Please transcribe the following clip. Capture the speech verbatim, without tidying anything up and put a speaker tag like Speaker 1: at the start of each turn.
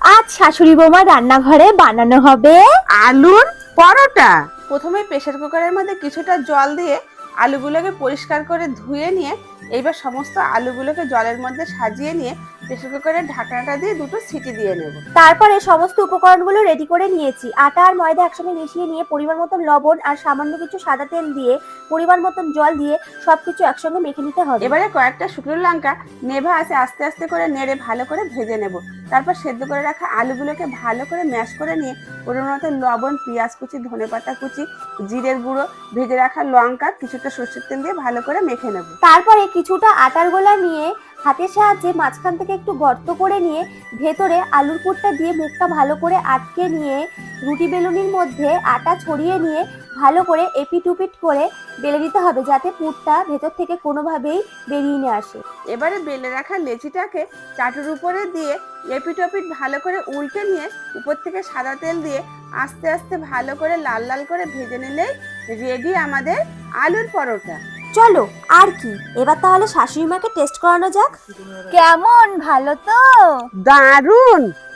Speaker 1: আজ শাশুড়ি বৌমা রান্নাঘরে বানানো হবে
Speaker 2: আলুর পরোটা। প্রথমে প্রেসার কুকারের মধ্যে কিছুটা জল দিয়ে আলুগুলোকে পরিষ্কার করে ধুয়ে নিয়ে এইবার সমস্ত আলুগুলোকে জলের মধ্যে সাজিয়ে নিয়ে প্রেসার কুকারের ঢাকনাটা দিয়ে দুটো সিটি দিয়ে নেব।
Speaker 1: তারপরে সমস্ত উপকরণগুলো রেডি করে নিয়েছি। আটা আর ময়দা একসঙ্গে মিশিয়ে নিয়ে পরিমাণ মতন লবণ আর সামান্য কিছু সাদা তেল দিয়ে পরিমাণ মতন জল দিয়ে সবকিছু একসঙ্গে মেখে নিতে হবে।
Speaker 2: এবারে কয়েকটা শুকনো লঙ্কা নেভা আছে আস্তে আস্তে করে নেড়ে ভালো করে ভেজে নেব। তারপর সেদ্ধ করে রাখা আলুগুলোকে ভালো করে ম্যাশ করে নিয়ে পরিমাণ মতো লবণ, পেঁয়াজ কুচি, ধনেপাতা কুচি, জিরের গুঁড়ো, ভেজে রাখা লঙ্কা, কিছুটা সরষের তেল দিয়ে ভালো করে মেখে নেব।
Speaker 1: তারপরে কিছুটা আটার গোলা নিয়ে হাতের সাহায্যে মাঝখান থেকে একটু গর্ত করে নিয়ে ভেতরে আলুর পুরটা দিয়ে মুখটা ভালো করে আটকে নিয়ে রুটি বেলুনির মধ্যে আটা ছড়িয়ে নিয়ে ভালো করে এপিট উপিট করে বেলে দিতে হবে, যাতে পুরটা ভেতর থেকে কোনোভাবেই বেরিয়ে না আসে।
Speaker 2: এবারে বেলে রাখা লেচিটাকে চাটুর উপরে দিয়ে এপিট ওপিট ভালো করে উল্টে নিয়ে উপর থেকে সাদা তেল দিয়ে আস্তে আস্তে ভালো করে লাল লাল করে ভেজে নিলেই রেডি আমাদের আলুর পরোটা।
Speaker 1: চলো আর কি, এবার তাহলে শাশুড়ি মাকে টেস্ট করানো যাক। কেমন, ভালো তো?
Speaker 2: দারুণ।